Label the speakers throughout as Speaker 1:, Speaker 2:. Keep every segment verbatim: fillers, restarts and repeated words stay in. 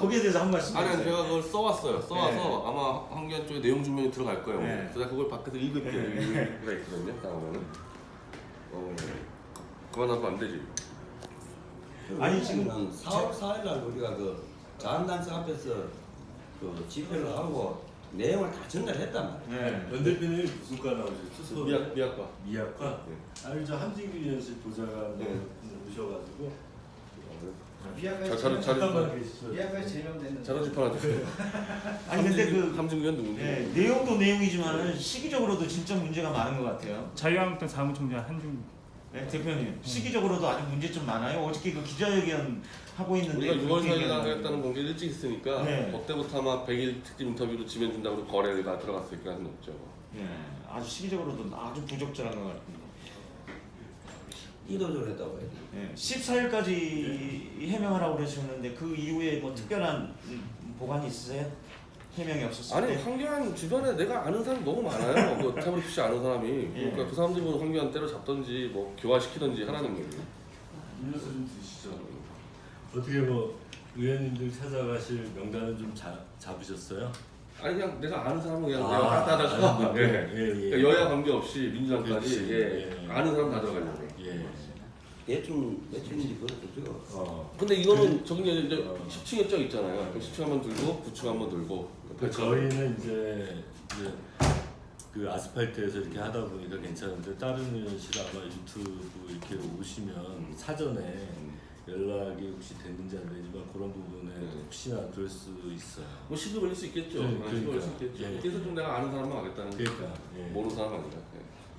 Speaker 1: 거기에 대해서 한 말씀
Speaker 2: 아니, 아니
Speaker 1: 해주세요.
Speaker 2: 제가 그걸 써왔어요. 써와서
Speaker 1: 네.
Speaker 2: 아마 황교안 쪽에 내용 증명이 들어갈 거예요.
Speaker 1: 네.
Speaker 2: 그래서 그걸 밖에서 읽을게요.
Speaker 1: 네.
Speaker 2: 읽을 수가 있거든요. 다음에는. 어, 그만하면 안 되지.
Speaker 1: 아니, 지금
Speaker 3: 사월 사일 날 우리가 그 자한당사 앞에서 그 집회를 하고 내용을 다 전달했단 말이에요.
Speaker 1: 네.
Speaker 4: 연 대표님이 무슨 과 나오셨죠? 서울
Speaker 2: 미학 미학과.
Speaker 4: 미학과.
Speaker 2: 네.
Speaker 4: 아니 저 함진규 위원실 보좌관
Speaker 2: 네.
Speaker 4: 오셔가지고
Speaker 2: 자, 자료 자료
Speaker 4: 잠깐만 계시죠.
Speaker 5: 예약까지 제명됐는데
Speaker 2: 자료 집 하나 주세요.
Speaker 1: 아니 근데 그
Speaker 2: 함진규는 누군지.
Speaker 1: 네, 내용도 내용이지만은 시기적으로도 진짜 문제가 많은 것 같아요.
Speaker 6: 자유한국당 사무총장 한중
Speaker 1: 네, 대표님 시기적으로도 아주 문제점 많아요. 어저께 그 기자회견 하고 있는데
Speaker 2: 우리가 유월
Speaker 1: 그렇게
Speaker 2: 사일에
Speaker 1: 얘기하는
Speaker 2: 하겠다는 공개를 일찍 했으니까
Speaker 1: 네.
Speaker 2: 그때부터 아마 백 일 특집 인터뷰로 지면 준다고 거래를 다 들어갔을 가능성이 높죠.
Speaker 1: 네, 아주 시기적으로도 아주 부적절한 것 같습니다.
Speaker 3: 이도저를 했다고 해요.
Speaker 1: 네, 십사 일까지 해명하라고 그러셨는데 그 이후에 뭐 특별한 음, 보관이 있으세요? 해명이 없었을
Speaker 2: 아니
Speaker 1: 때?
Speaker 2: 황교안 주변에 내가 아는 사람 너무 많아요. 그 태블릿 씨 아는 사람이. 그러니까
Speaker 1: 예.
Speaker 2: 그 사람들이 뭐 황교안 때려잡던지 뭐 교화시키던지 하라는 거예요.
Speaker 4: 음료수 좀 드시죠. 어떻게 뭐 의원님들 찾아가실 명단은 좀 자, 잡으셨어요?
Speaker 2: 아니 그냥 내가 아는 사람은 그냥
Speaker 4: 아,
Speaker 2: 내가 다 다다가
Speaker 4: 아는
Speaker 2: 예.
Speaker 4: 분들. 예, 예.
Speaker 2: 그러니까 여야 관계 없이 민주당까지
Speaker 4: 그렇지.
Speaker 2: 예.
Speaker 4: 예.
Speaker 2: 아는 사람 다 들어가려고.
Speaker 4: 예.
Speaker 3: 대충 며칠인지 그렇죠.
Speaker 4: 어.
Speaker 2: 근데 이거는 저기 이제
Speaker 4: 어.
Speaker 2: 십 층에 쪄 있잖아요. 그럼 십 층 한번 들고 구 층 한번 들고.
Speaker 4: 그 저희는 이제, 이제 그 아스팔트에서 이렇게 하다 보니까 괜찮은데 다른 의원실 아마 유튜브 이렇게 오시면 사전에 연락이 혹시 됐는지 안 되지만 그런 부분에
Speaker 2: 네.
Speaker 4: 혹시나 그럴 수 있어요.
Speaker 2: 뭐 시비 걸릴 수 있겠죠.
Speaker 4: 네,
Speaker 2: 아, 시비 걸릴 수
Speaker 4: 그러니까.
Speaker 2: 있겠죠.
Speaker 4: 예.
Speaker 2: 그래서 좀 내가 아는 사람만 하겠다는 거.
Speaker 4: 그러니까 예.
Speaker 2: 모르는 사람 아니라. 예.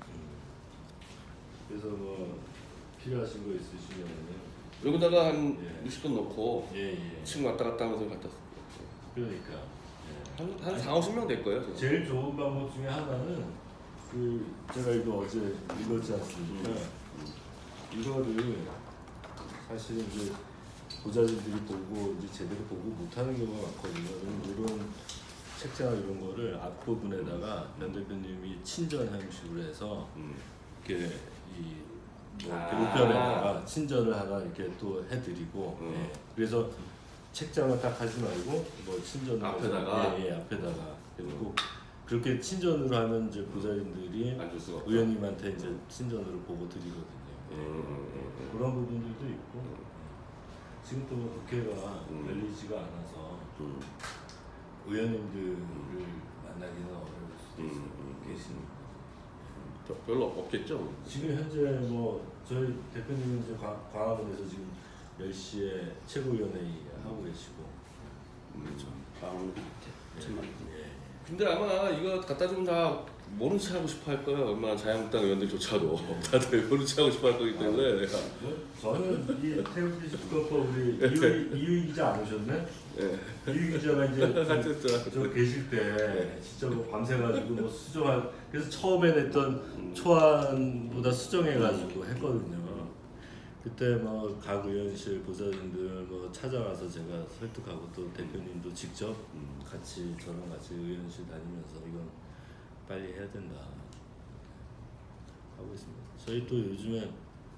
Speaker 4: 그래서 뭐 필요하신 거 있으시면은
Speaker 2: 여기다가 한
Speaker 4: 예.
Speaker 2: 육십 건 넣고
Speaker 4: 예예.
Speaker 2: 층 왔다 갔다 하면서 갖다 씁니다.
Speaker 4: 그러니까 예.
Speaker 2: 한, 한 사, 오십 명 될 거예요. 저는.
Speaker 4: 제일 좋은 방법 중에 하나는 그 제가 이거 어제 읽었지 않습니까? 이거를 사실 이제 보좌진들이 보고 이제 제대로 보고 못하는 경우가 많거든요. 이런 책자나 이런 거를 앞부분에다가 면 대표님이 친전 형식으로 해서
Speaker 2: 음.
Speaker 4: 이렇게 이뭐
Speaker 2: 아.
Speaker 4: 우편에다가 친전을 하나 이렇게 또 해드리고
Speaker 2: 음.
Speaker 4: 예. 그래서 책장을 딱 하지 말고 뭐 친전을
Speaker 2: 앞에다가?
Speaker 4: 해서, 예, 예 앞에다가 그리고 그렇게 친전으로 하면 이제 보좌진들이
Speaker 2: 앉을 수가 없다.
Speaker 4: 의원님한테 이제 친전으로 보고 드리거든요. 예.
Speaker 2: 음, 음, 음.
Speaker 4: 그런 부분들도 있고 지금 또 국회가
Speaker 2: 음.
Speaker 4: 열리지가 않아서
Speaker 2: 음.
Speaker 4: 의원님들을 만나기는 어려울 수도
Speaker 2: 음,
Speaker 4: 있어요.
Speaker 2: 음, 음.
Speaker 4: 계시니까.
Speaker 2: 별- 별로 없겠죠.
Speaker 4: 지금 현재 뭐 저희 대표님은 이제 과- 광화문에서 지금 열 시에 최고위원회의 하고 계시고
Speaker 2: 그렇죠.
Speaker 3: 방울 밑에 천만 원.
Speaker 4: 예.
Speaker 2: 근데 아마 이거 갖다 주면 다 모른 체 하고 싶어 할 거예요. 얼마나 자유한국당 의원들조차도 다들 모른 체 하고 싶어 할 거기 때문에 내가
Speaker 4: 뭐 저는 이 태극기 국가법 우리 이휘 이휘 기자 안 오셨네?
Speaker 2: 예.
Speaker 4: 이휘 기자가 이제
Speaker 2: 하여튼
Speaker 4: 저 계실 때 진짜 뭐 밤새가지고 뭐 수정할 그래서 처음에 냈던
Speaker 2: 음.
Speaker 4: 초안보다 수정해가지고 했거든요. 그때 뭐 각 의원실 보좌진들 뭐 찾아가서 제가 설득하고 또 대표님도 직접
Speaker 2: 음.
Speaker 4: 같이 저랑 같이 의원실 다니면서 이건 빨리 해야 된다 하고 있습니다. 저희 또 요즘에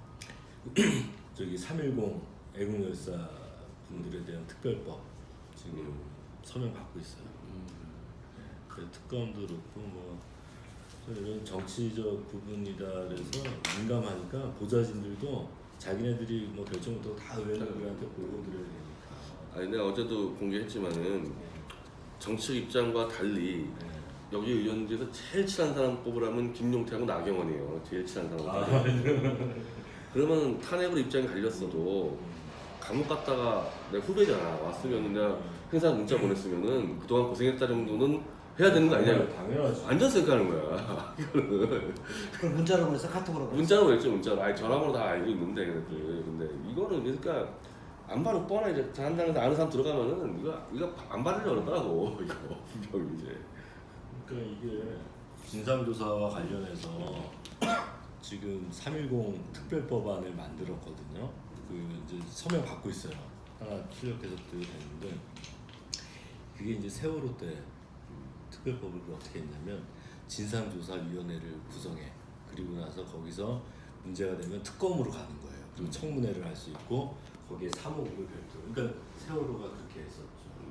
Speaker 4: 저기 삼일공 애국열사 분들에 대한 특별법 지금 서명 받고 있어요. 네, 그 특검도 그렇고 뭐 이런 정치적 부분이다 그래서 민감하니까 보좌진들도 자기네들이 뭐 결정부터 다 의원들한테 보고 드려야 되니까.
Speaker 2: 아니 내가 어제도 공개했지만은 정치 입장과 달리
Speaker 4: 네.
Speaker 2: 여기 의원들에서 제일 친한 사람 뽑으라면 김용태하고 나경원이에요. 제일 친한 사람.
Speaker 4: 아,
Speaker 2: 그러면 탄핵으로 입장이 갈렸어도 감옥 갔다가 내 후배잖아. 왔으면 내가 행사 문자 보냈으면은 그동안 고생했다 정도는 해야 되는 거 아니냐.
Speaker 4: 당연하지.
Speaker 2: 완전 생각하는 거야. 이거는
Speaker 5: 그걸 문자로 보내서 카톡으로 보냈어.
Speaker 2: 문자로 그랬죠. 문자로. 아니 전화번호 다 알고 있는데 그래도 근데 이거는 그러니까 안 받을 뻔해. 이제 한다는 아는 사람 들어가면은 이거 이거 안 받으려 그러더라고. 이거 분명히 이제.
Speaker 4: 그러니까 이게 진상조사와 관련해서 지금 삼일공 특별법안을 만들었거든요. 그 이제 서명 받고 있어요. 하나 출력해서 드렸는데 그게 이제 세월호 때 특별법을 어떻게 했냐면 진상조사위원회를 구성해. 그리고 나서 거기서 문제가 되면 특검으로 가는 거예요. 그리고 청문회를 할 수 있고 거기에 사무국을 별도로. 그러니까 세월호가 그렇게 했었죠.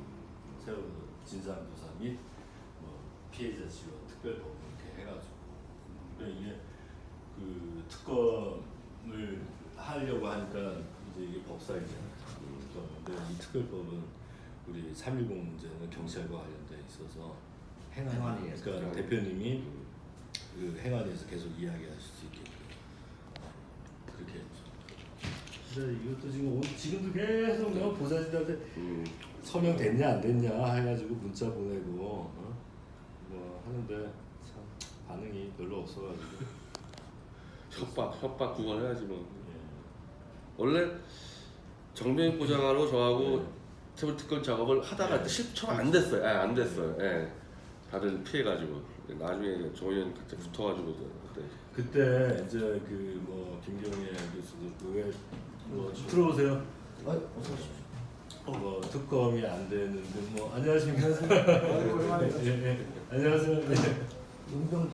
Speaker 4: 테러 진상조사 및 뭐 피해자 지원 특별법 이렇게 해가지고 그러니까 이게 그 특검을 하려고 하니까 이제 이게 법사위잖아요. 그런데 이 특별법은 우리 삼일공 문제는 경찰과 관련돼 있어서 행안위,
Speaker 5: 행안위에서.
Speaker 4: 그러니까 대표님이 그 행안위에서 계속 이야기하실 수 있게끔 그렇게 했죠. 근데 이것도 지금 오, 지금도 계속 내가 보좌진한테
Speaker 2: 음.
Speaker 4: 서명 됐냐 안 됐냐 해가지고 문자 보내고 어? 뭐 하는데 참 반응이 별로 없어가지고
Speaker 2: 협박 협박 구걸해야지 뭐.
Speaker 4: 예.
Speaker 2: 원래 정병익 부장하고 저하고
Speaker 4: 네.
Speaker 2: 트블 특검 작업을 하다가
Speaker 4: 네.
Speaker 2: 실처가 안 됐어요. 예, 안 됐어요. 예. 다들 피해가지고 나중에 정의원 같이 붙어가지고 그때
Speaker 4: 그때 이제 그 뭐 김경애 교수도 그왜 뭐 들어오세요.
Speaker 5: 어, 어서 오십시오.
Speaker 4: 뭐 특검이 안 되는데 뭐 안녕하십니까.
Speaker 5: 아이고, 오랜만에
Speaker 4: 예, 예. 안녕하세요. 예.
Speaker 5: 용병